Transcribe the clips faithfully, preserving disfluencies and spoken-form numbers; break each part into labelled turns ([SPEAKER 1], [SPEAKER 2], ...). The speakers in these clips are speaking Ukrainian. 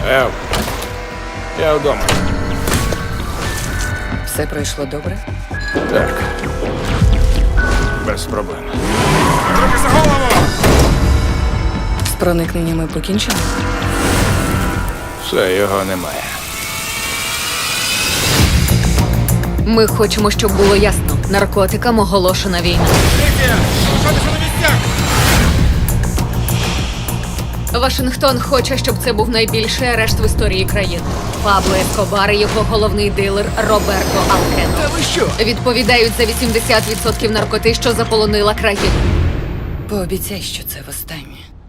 [SPEAKER 1] Ев, я вдома.
[SPEAKER 2] Все пройшло добре?
[SPEAKER 1] Так. Без проблем. Руки за голову!
[SPEAKER 2] З проникненнями покінчено?
[SPEAKER 1] Все, його немає.
[SPEAKER 3] Ми хочемо, щоб було ясно. Наркотикам оголошена війна. Вашингтон хоче, щоб це був найбільший арешт в історії країни. Пабло Ескобар і його головний дилер Роберто Алкено.
[SPEAKER 4] Та ви що?
[SPEAKER 3] Відповідають за вісімдесят відсотків наркоти, що заполонила країну.
[SPEAKER 2] Пообіцяй, що це востаннє.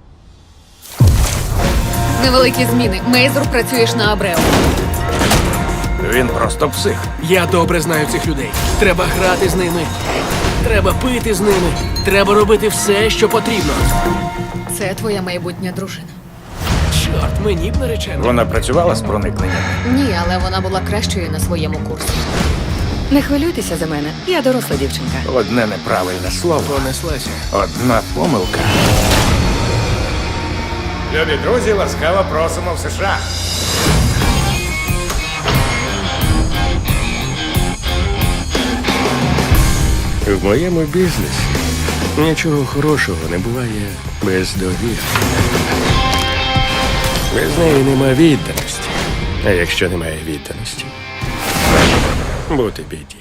[SPEAKER 3] Невеликі зміни. Мейзур, працюєш на Абрео.
[SPEAKER 1] Він просто псих.
[SPEAKER 4] Я добре знаю цих людей. Треба грати з ними. Треба пити з ними. Треба робити все, що потрібно.
[SPEAKER 3] Це твоя майбутня дружина.
[SPEAKER 4] Чорт, мені б наречено.
[SPEAKER 1] Вона працювала з проникненням.
[SPEAKER 3] Ні, але вона була кращою на своєму курсі.
[SPEAKER 2] Не хвилюйтеся за мене, я доросла дівчинка.
[SPEAKER 1] Одне неправильне слово,
[SPEAKER 4] Понеслася.
[SPEAKER 1] одна помилка. Любі друзі, ласкаво просимо в США.
[SPEAKER 5] В моєму бізнесі нічого хорошого не буває без довіри. Без неї нема відданості. А якщо немає відданості, бути біді.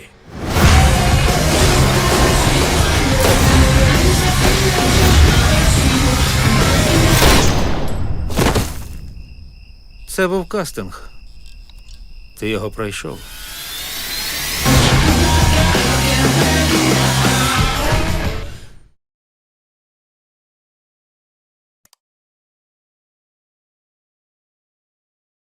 [SPEAKER 6] Це був кастинг. Ти його пройшов.